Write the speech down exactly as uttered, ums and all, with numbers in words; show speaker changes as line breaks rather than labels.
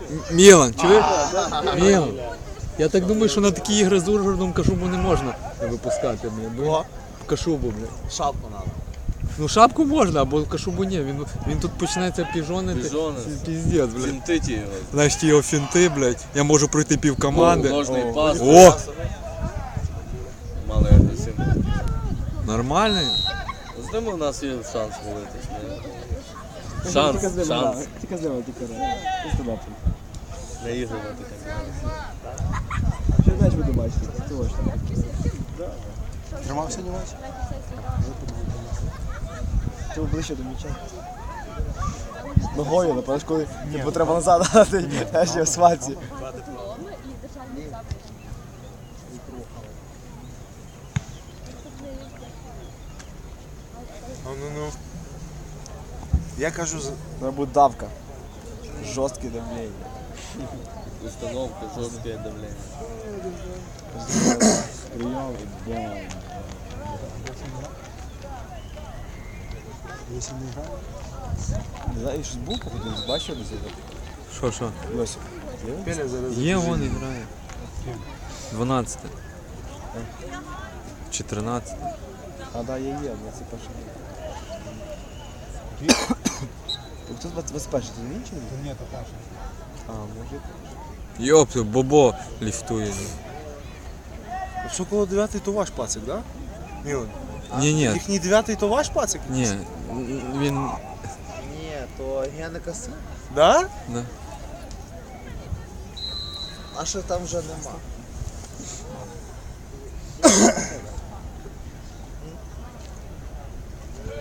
Мілан, чуєш? Мілан. Я так думаю, що на такі ігри з Ужгородом Кашубу не можна випускати. Бо Кашубу, блядь.
Шапку надо.
Ну шапку можна, або Кашубу ні. Він, він тут починається піжонити.
Піжони.
Піздець, блядь.
Фінтиті його.
Знаєш, ті його фінти, блядь. Я можу пройти пів команди.
Ложний пас.
О!
Малий агресивний.
Нормальний.
З ним у нас є шанс молитись. не? Шанс, шанс.
Тільки з ними, тільки з
Не ігрувати так.
Що м'яч буду бачити? Точно.
Тримав сьогодні матч?
Ти ближче до м'яча. Ногою, напевно, коли типу, треба назад дати, я ще в сваці.
Ну, ну, ну. Я кажу, з-
Треба буде давка. Жорстке давлення.
Установка, жорстке давлення.
Прийом, бам.
якщо не грає.
Не знаю, щось був походу, бачив десь?
Що, що?
Лосі.
Пеля зараз.
Є, вон і грає. дванадцяте. Чи тринадцяте.
А, да, є, є, двадцять перший. Хто двадцять перший, ти не він чи не?
Ні, то Паша.
А, може.
Йоп, Бобо ліфтує.
Якщо коло дев'ятий, то ваш пацик, да? Мілан.
Ні, ні,
Їхній дев'ятий, то ваш пацик?
ні. Він.
Ні, то Генека син.
Да?
Да.
А що там вже нема?